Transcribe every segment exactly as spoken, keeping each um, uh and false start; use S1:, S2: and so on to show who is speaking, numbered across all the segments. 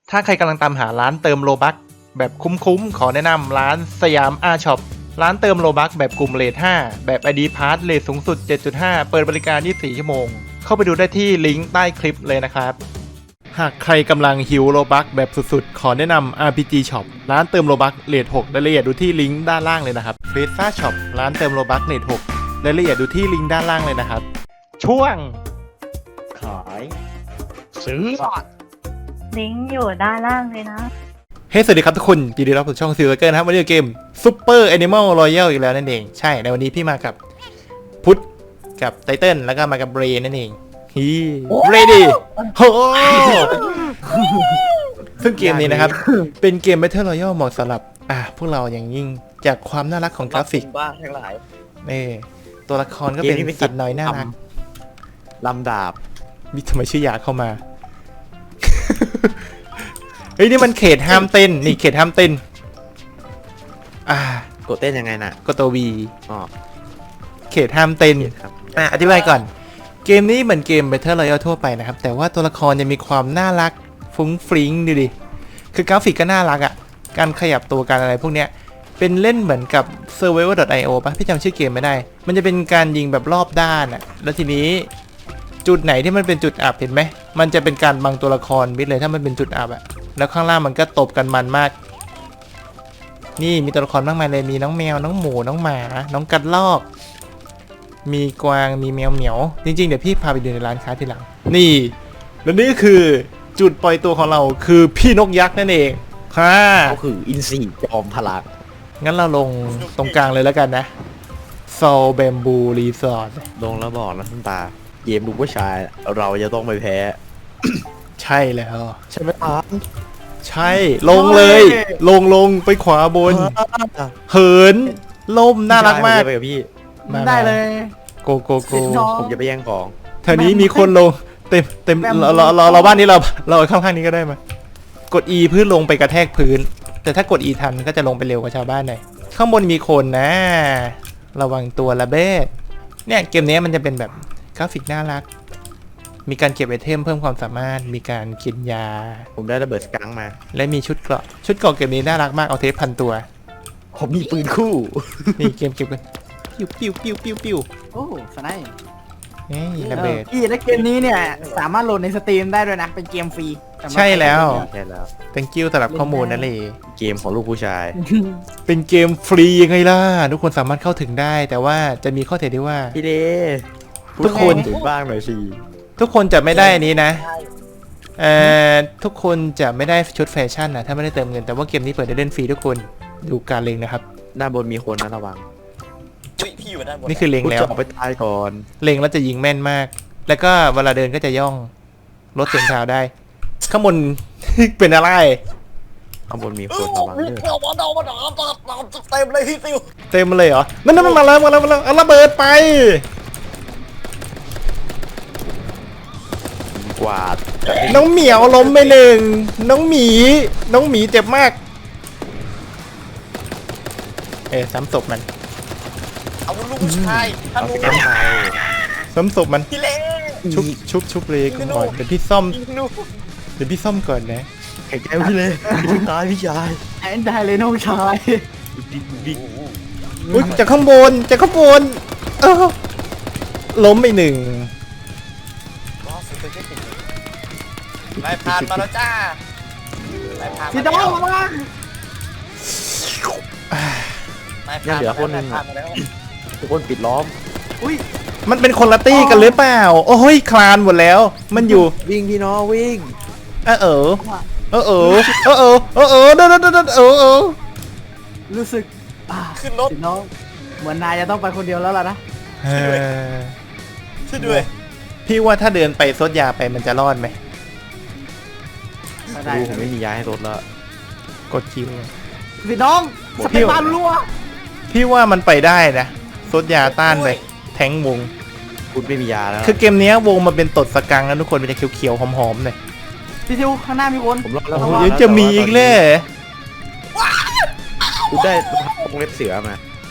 S1: ถ้าใครกำลังตามหาร้านเติมโลบัคแบบคุ้มๆขอแนะนำร้านสยามอาช็อปร้านเติมโลบัคแบบกลุ่มเรทห้าแบบ ไอ ดี Pass เรทสูงสุด เจ็ดจุดห้า เปิดบริการยี่สิบสี่ชั่วโมงเข้าไปดูได้ที่ลิงก์ใต้คลิปเลยนะครับหากใครกำลังหิวโลบัคแบบสุดๆขอแนะนำ อาร์ พี จี Shop ร้านเติมโลบัคเรทหกรายละเอียดดูที่ลิงก์ด้านล่างเลยนะครับ เฟซ่า Shop ร้านเติมโลบัคเรทหกรายละเอียดดูที่ลิงก์ด้านล่างเลยนะครับช่วง
S2: ขาย
S1: ซื้อ
S3: ลิงก์อยู่ด้านล่างเลยนะ
S1: เฮ้ hey, สวัสดีครับทุกคนยินดีต้อนรับสู่ช่องซิลเกอร์นะครับวันนี้เกม Super Animal Royale อีกแล้วนั่นเองใช่ในวันนี้พี่มากับพุทธกับไตเติ้ลแล้วก็มากับเบรนั่นเองฮีเรดี้โอ้ซึ่งเกมนี้นะครับเป็นเกม Battle Royale เหมาะสำหรับอ่ะพวกเราอย่างยิ่งจากความน่ารักของกราฟิก
S2: บ้าทั้งหลาย
S1: นี่ตัวละครก็เป็นสัตว์น้อยน่ารัก
S2: ลำดาบ
S1: มีทำไมชื่อยาเข้ามาเฮ้ยนี่มันเขตห้ามเต้นนี่เขตห้ามเต้นอ่าก
S2: ดเต้นยังไงน่ะ
S1: กดตัว V
S2: อ๋อ
S1: เขตห้ามเต้น
S2: ครับ
S1: อ่ะอธิบายก่อนเกมนี้เหมือนเกม Battle Royale ทั่วไปนะครับแต่ว่าตัวละครยังมีความน่ารักฟุ้งฟริ้งดูดิคือกราฟิกก็น่ารักอ่ะการขยับตัวการอะไรพวกเนี้ยเป็นเล่นเหมือนกับ Survivor ดอท ไอ โอ ป่ะพี่จำชื่อเกมไม่ได้มันจะเป็นการยิงแบบรอบด้านอ่ะแล้วทีนี้จุดไหนที่มันเป็นจุดอับเห็นไหมมันจะเป็นการบังตัวละครมิดเลยถ้ามันเป็นจุดอับอ่ะแล้วข้างล่างมันก็ตบกันมันมากนี่มีตัวละครมากมายเลยมีน้องแมวน้องหมูน้องหมาน้องกัดลอกมีกวางมีแมวเหมียวจริงๆเดี๋ยวพี่พาไปดูในร้านค้าทีหลังนี่และนี่คือจุดปล่อยตัวของเราคือพี่นกยักษ์นั่นเองค่ะ
S2: ก็คืออินซีจอมพลัง
S1: งั้นเราลงตรงกลางเลยแล้วกันนะโซลแบมบูรีสอร์ท
S2: ลงแล้วบอกนะท่านตาเกมลูกผู้ชายเราจะต้องไปแพ้
S1: ใช่แล้ว
S2: ใช่ไหมครับ
S1: ใช่ลงเลยลงลงไปขวาบนเหินล่มน่ารักมาก
S2: ไปกับพี่
S4: ได้เลย
S1: โกโกโก
S2: ผมจะไปแย่งของ
S1: เท่านี้มีคนลงเต็มเต็มเราเราเราเราบ้านนี้เราเราข้างๆนี้ก็ได้มากด E เพื่อลงไปกระแทกพื้นแต่ถ้ากด E ทันก็จะลงไปเร็วกว่าชาวบ้านหน่อยข้างบนมีคนนะระวังตัวละเบ้เนี่ยเกมนี้มันจะเป็นแบบกราฟิกน่ารักมีการเก็บไอเทมเพิ่มความสามารถมีการกินยา
S2: ผมได้ระเบิดสกังมา
S1: และมีชุดเกราะชุดเกราะเกมนี้น่ารักมากเอาเทปพันตัว
S2: ผมมีปืนคู่
S1: นี่เกมเก็บกันปิ้วปิ้วปิ้วปิ้วปิ้ว
S4: โอ้สไนป์
S1: นี่ระเบิด
S4: พี่และเกมนี้เนี่ยสามารถโหลดในสตรีมได้ด้วยนะเป็นเกมฟรี
S1: ใช่แล้ว
S2: ใช่แล้ว
S1: thank you สำหรับข้อมูลนั่นเลย
S2: เกมของลูกผู้ชาย
S1: เป็นเกมฟรียังไงล่ะทุกคนสามารถเข้าถึงได้แต่ว่าจะมีข้อเสียที่ว่า
S2: พี่เด
S1: ทุกคน
S2: ถึงบ้างหน่อยสิ
S1: ทุกคนจะไม่ได้นี้นะเอ่อทุกคนจะไม่ได้ชุดแฟชั่นนะถ้าไม่ได้เติมเงินแต่ว่าเกมนี้เปิดได้เล่นฟรีทุกคนดูการเล็งนะครับ
S2: ด้านบนมีคนนะระวัง
S1: พี่อยู่ด้านบนนี่คือเล็งแล้ว
S2: ไปตายก่อน
S1: เล็งแล้วจะยิงแม่นมากแล้วก็เวลาเดินก็จะย่องลดเสียงเท้าได้ข้างบน เป็นอะไร
S2: ข้างบนมีคนระวังเ
S1: เต็มเลยพี่ซิวเต็มเลยเหรอนั่นนั่นมาแล้วมาแล้วมาแล้วเอาระเบิดไป
S2: กวาด
S1: น้องเหมียวล้มไปหนึ่งน้องหมีน้องหมีเจ็บมากเอ๊ะซ้ำศพมัน
S5: เอาลูกชาย
S2: เอาไปกันไป
S1: ซ้ำศพมันชุบชุบชุบเลยก่อนเดี๋ยวพี่ซ่อมเดี๋ยวพี่ซ่อมก่อนนะ
S2: แข็งใจพี่เลยพี่ตายพี่ชาย
S4: แอนได้เลยน้องชาย
S1: อุ้ยจากข้างบนจากข้างบนเออล้มไปหนึ่ง
S5: นายผ่านมาแล้วจ้า
S4: พี่น้องมา
S2: ยังเหลือคนนึงทุกคนปิดล้อม
S4: อุ้ย
S1: มันเป็นคนละตี้กันหรือเปล่าโอ้ยคลานหมดแล้วมันอยู่
S2: วิ่งพี่น้องวิ่ง
S1: เออเออเออเออเออเออเออเออเดินเดินเดินเออเออ
S4: รู้สึก
S5: ขึ้นรถ
S4: น้องเหมือนนายจะต้องไปคนเดียวแล้วล่ะนะ
S5: ช่วยด้วย
S1: พี่ว่าถ้าเดินไปซดยาไปมันจะรอดไหม
S2: ดูผมไม่มียาให้รถแล้ว
S1: กดคิว
S4: พี่น้องสเปนบาลรัว
S1: พี่ว่ามันไปได้นะซดยาต้านไปแทงวง
S2: คุณไม่มียาแล้ว
S1: คือเกมนี้วงมันเป็นตดสกังนะทุกคนมันจะเขียวๆหอมๆหน่อย
S4: พี่ทิวข้างหน้ามีคน
S2: ผมรอดแล้ว
S1: ยังจะมีอีกเลย
S2: คุณได้วงเล็บเสือมา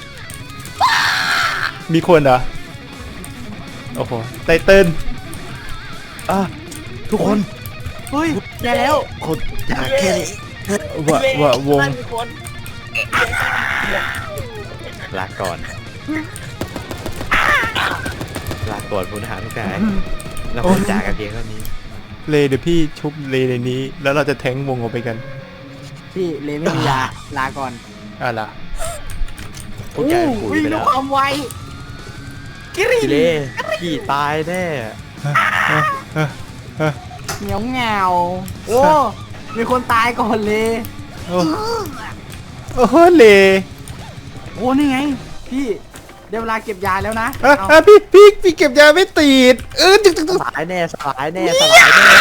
S1: มีคนเหรอโอ้โหไตเติ้ล
S2: อ่ะทุกคน
S4: เฮ้ยแย่แล้ว
S2: คนจากแค่นี้
S1: วะวะวง
S5: มีคน
S2: ลาก่อนลาก่อนพลทหารทุกนายเราคงจากกันเพียงเท่านี้
S1: เลเดี๋ยวพี่ชุบเลในนี้ แล้วเราจะแทงวงออกไปกัน
S4: พี่เลไม่มียาลาก่อน
S1: อ่ะล่ะ
S2: พวกแกปุ๋ย
S4: วิ่ง
S2: ไป
S4: ด้
S2: แล้ว วย
S4: ความไวกิริ
S2: พี่เล่พี่ตายแน่
S4: เหนียวเหงาโอ้มีคนตายก่อนเลย
S1: โอ้โอ้โหเล
S4: โอ้นี่ไง พี่ได้เวลาเก็บยาแล้วนะ
S1: อ่ะ
S4: เอา
S1: อ่ะพี่พี่พี่เก็บยาไม่ติดเออจึ๊กจึ๊ก
S2: ส
S1: จึ๊ก
S2: ลายแน่สลายแน่สลายแน่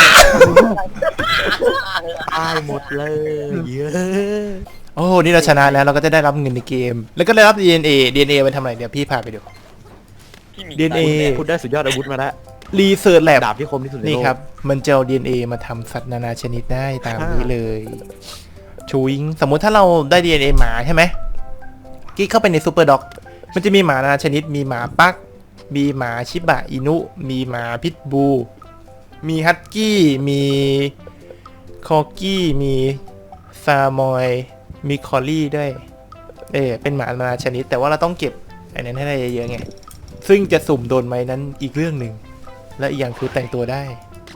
S2: ตายหมดเลยเยอะ
S1: โอ้นี่เราชนะแล้วเราก็จะได้รับเงินในเกม แล้วก็ได้รับ ดี เอ็น เอ ดี เอ็น เอ ไปทำอะไรเดี๋ยวพี่พาไปดู
S5: พี่หมี
S1: ดี เอ็น เอ
S2: คุณได้สุดยอดอาวุธมาแล้ว
S1: รีเสิร์ชแลบ
S2: ดาบที่คมที่สุดในโลก
S1: นี่ครับ มันจะเอา ดี เอ็น เอ มาทำสัตว์นานาชนิดได้ตามนี้เลยชูวิงสมมุติถ้าเราได้ ดี เอ็น เอ หมาใช่ไหมกิ๊กเข้าไปในซูเปอร์ด็อกมันจะมีหมานานาชนิดมีหมาปักมีหมาชิบะอินุ มีหมาพิทบูมีฮัตกี้มีคอกี้มีซามอยมีคอลลี่ด้วยเออเป็นหมานานาชนิด แต่ว่าเราต้องเก็บอันนั้นให้ได้เยอะๆไงซึ่งจะสุ่มโดนไหมนั้นอีกเรื่องหนึ่งและอีกอย่างคือแต่งตัวได้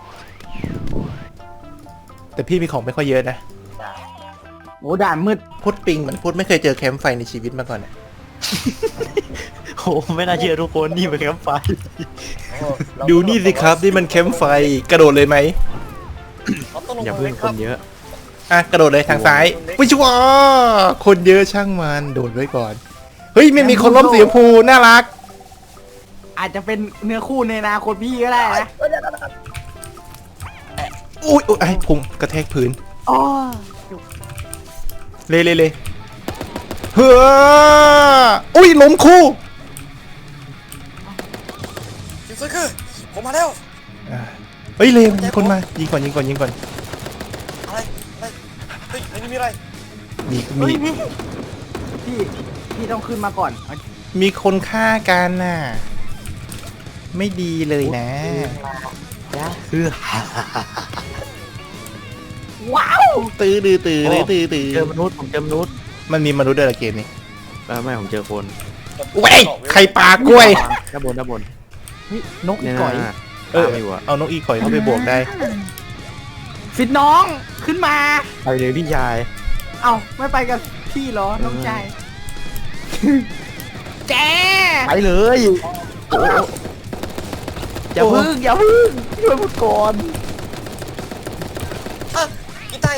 S1: แต่พี่มีของไม่ค่อยเยอะนะ
S4: โอ้ด่านมืด
S1: พุดปิงเหมือนพุดไม่เคยเจอแคมป์ไฟในชีวิตมาก่อนอะ
S2: โอ้ไม่น่าเชื่อทุกคนนี่เป็นแคมป์ไฟ
S5: โอ้เรา
S1: ดูนี่สิครับนี่มันแคมป์ไฟกระโดดเลยไหม
S5: เราต้องลง
S2: อย่า
S5: มื
S2: เพิ่
S5: อ
S2: ง
S5: ค
S2: ครับ นเยอะ
S1: อ่ะกระโดดเลยทางซ้ายวิชัวคนเยอะช่างมันโดดไว้ก่อนเฮ้ยไม่มีคนล้มสีชมพูน่ารัก
S4: อาจจะเป็นเนื้อคู่ในอนาคตพี่ก็ได้นะ
S1: อุ้ยอุ๊ยไอ้พุงกระแทกพื้น
S4: อ๋อ
S1: เลยเลยเลยเฮ้ออุ้ยล้มคู่
S5: คิวซึคือผมมาแล้ว
S1: อ่ะเฮ้ยเลยมีคนมายิงก่อนยิงก่อนยิงก่อน
S5: อะไรอะไรเฮ้ยในนี้มีอะไร
S1: มี
S4: เฮ้
S1: มี
S4: ยพี่พี่พี่ต้องขึ้นมาก่อนเอา
S1: มีคนฆ่ากันน่ะไม่ดีเลยนะ
S2: คือ
S4: ว้าว
S1: ตื้อดื้อตื้อเลยตื้อตื้อ
S2: เจอมนุษย์ผมเจอมนุษย์
S1: มันมีมนุษย์ด้วยเหรอเกมนี้
S2: ไม่ไม่ผมเจอคน
S1: เว้ยใครปากล้วย
S2: ด้านบนด้านบน
S4: เฮ้ยนกอี
S2: เนี่ย
S4: ก่อย
S2: นะ
S1: เออ
S2: ตามอยู่อะ
S1: เอานกอีก่อยเข้าไปบวกได้
S4: สิทธิ์น้องขึ้นมา
S2: ไปเลยพี่ชาย
S4: เอ้าไม่ไปกับพี่เหรอน้องชายแก
S2: ไปเลยโอ้อย่าพึ่งอย่าพึ่งช่วยผมก่อน
S5: อ่ะอีไต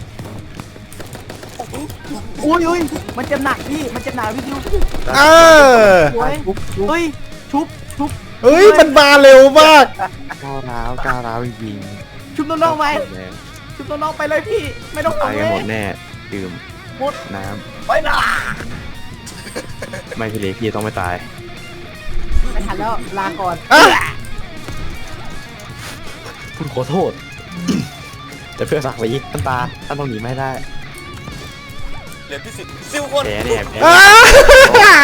S4: อุ้ยอุ้ยมันจะหนักพี่มันจะหนักพี่ดิว
S1: เออ
S4: โอ้ยเฮ้ยชุบชุบ
S1: เฮ้ยมันมาเร็วมาก
S2: ก้าวร้าวก้าวร้าวจริง
S4: ชุบ
S2: ๆ
S4: น้องๆไปชุบน้องๆไปเลยพี่ไม่ต้อง
S2: ตาย
S4: ทำเล
S2: กันหม
S4: ย
S2: ดแน่ดื่มน้
S5: ไปนะ
S2: ำไม่พี่เล็กพี่ต้องไม่ตาย
S4: ไม่ทันแล้วลาก่อน
S1: อ่ะ
S2: คุณขอโทษ แต่เพื่อศักดิ์ศรีท่านตาท่านต้องหนีไม่ได้
S5: เหลือที่สิบซิวคน
S2: แพ้เนี่ยแพ้
S1: อ่ะ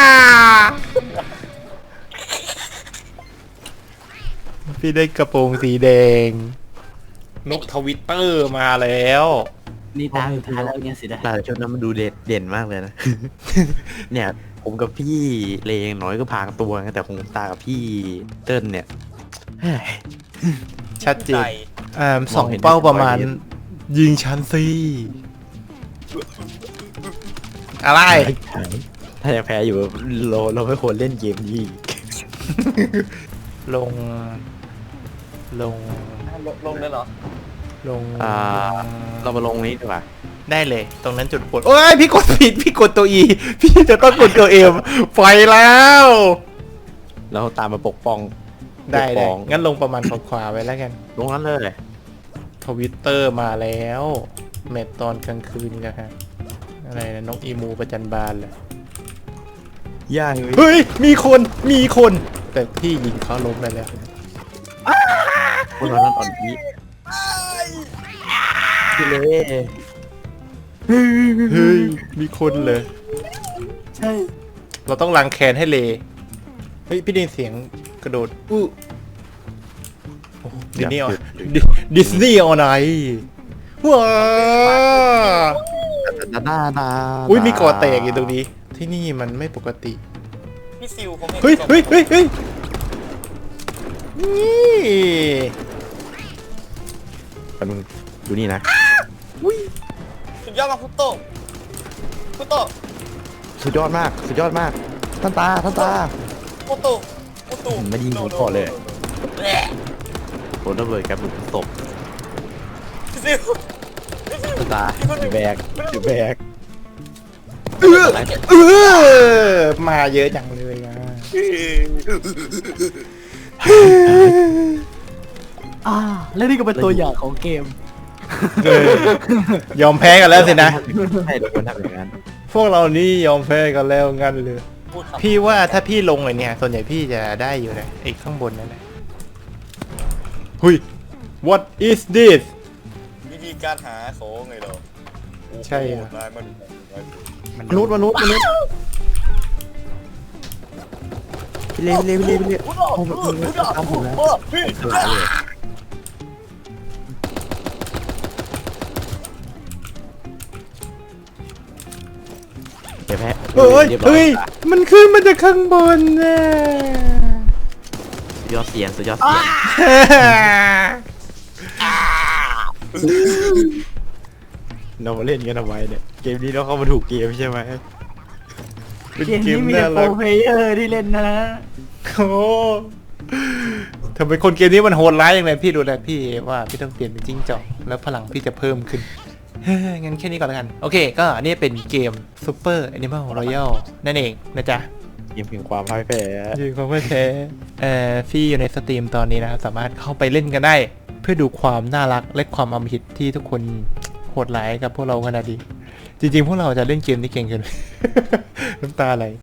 S1: พี่ได้กระโปรงสีแดง นกทวิตเตอร์มาแล้ว
S4: นี่ตาสุดท้ายแล้วเนี่ยสินะ
S2: แต่ชุดนั้นมันดูเด่นเด่นมากเลยนะ เนี่ยผมกับพี่เลงน้อยก็พางตัวไงแต่คงตากับพี่เติ้ลเนี่ยเฮ้ย
S1: ชัดเจ
S5: ใจ
S1: นอ่าสอง
S2: มองเห็น
S1: เป้าประมาณ
S2: ได้
S1: ยิงชั้นสิอะไร
S2: ถ้าอยากแพ้อยู่เราเราไม่ควรเล่นเกมนี้
S1: ลง ลง
S5: ลงลงเลยเหรอ
S1: ลง
S2: อ่า เรามาลงนี้ดีกว่า
S1: ได้เลย ตรงนั้นจุดปวดโอ้ยพี่กดผิด พี่กดตัว E พี่จะต้องกดตัว M ไฟแล้ว
S2: แล้วตามมาปกป้อง
S1: ได้
S2: ปก
S1: ได้
S2: ป้อง
S1: งั้นลงประมาณขวาๆไว้แล้วกัน
S2: ลงนั้นเลย
S1: ทวิตเตอร์มาแล้วแมตตอนกลางคืนกันฮะอะไรนะนกอีมูประจันบานเหรอ
S2: ย่าง
S1: เฮ้ย มีคน มีคน แต่พี่ยิงเขาล้มไปแล้ว
S2: คนนั้นอ่อนนี้พี่เล่
S1: เฮ้ย มีคนเลย
S4: ใช่
S1: เราต้องล้างแค้นให้เล เฮ้ย พี่ได้ยินเสียงกระโดด อู้โอ้ดิสนีย์ออนดิสนีย์ออนไลน์ว้า
S2: ดาดาดา
S1: อุ้ยมีก่อแตกอยู่ตรงนี้ ที่นี่มันไม่ปกติ
S5: พี่ซิวผมเห็น
S1: เฮ้ยเฮ้ยเฮ้ยเฮ้ยนี่
S2: แป๊บนึงดูนี่นะ
S5: สุดยอดมากพุตโตพุตโต
S2: สุดยอดมากสุดยอดมากท่านตาท่านตา
S5: พุตโตพุตโต
S2: ไม่ยิงผมก่อนเลย
S5: แหละ
S2: โดนระเบิดกับหลุมศพ
S5: พี่ซิว
S2: ท่านตาอยู่แบกอยู่แบก
S1: เออเออมาเยอะจังเลยอ่ะ
S4: อ่าแล้วนี่ก็เป็นตัวอย่างของเกม
S1: เออยอมแพ้กันแล้วสินะ
S2: ให้เราควรทำอย่างนั้น
S1: พวกเรานี่ยอมแพ้กันแล้วงั้นเลย
S5: พูดคำ
S1: พี่ว่าถ้าพี่ลงเลยเนี่ย ส่วนใหญ่พี่จะได้อยู่นะไอ้ข้างบนนั่นแหละหุย what is this
S5: วิธีการหาของไงเหรอโอ้โห
S1: ใช่อะ
S5: นายมัน
S2: มนุษย์มนุษย์มนุษย์พี่เล่พี่เล่พี่เล่พี่เล่ผมผมตามผมแล้วสลายเลยเดี๋ยวแพ้
S1: เฮ้ย
S2: รีบร้อ
S1: เฮ้ย มันขึ้นมาจากข้างบนนะ
S2: สุดยอดเสียงสุดยอดเสียงเรามาเล่นกันทำไมเนี่ยเกมนี้เราเข้ามาถูกเกมใช่ไหม
S1: เป็น
S4: เกม
S1: เก
S4: นี้
S1: ม
S4: มี
S1: น่า
S4: แต่โปร
S1: รัก
S4: เพลเยอร์ที่เล่นนะ
S1: โอ้ทำไมคนเกมนี้มันโหดร้ายอย่างไรพี่ดูแลพี่ว่าพี่ต้องเปลี่ยนเป็นจิ้งจอกแล้วพลังพี่จะเพิ่มขึ้น เฮ้ยงั้นแค่นี้ก่อนแล้วกัน โอเค ก็นี่เป็นเกม Super Animal Royale นั่นเองนะจ๊ะ
S2: เกมถึงความพ่ายแพ้
S1: ยืนความไม่แพ้เอ่อพี่อยู่ในสตรีมตอนนี้นะครับ สามารถเข้าไปเล่นกันได้ เพื่อดูความน่ารักและความอำมหิตที่ทุกคนโหดร้ายกับพวกเราขนาดนี้ จริงๆ พวกเราจะเล่นเกมที่เก่งเกิน น้ำตาไหล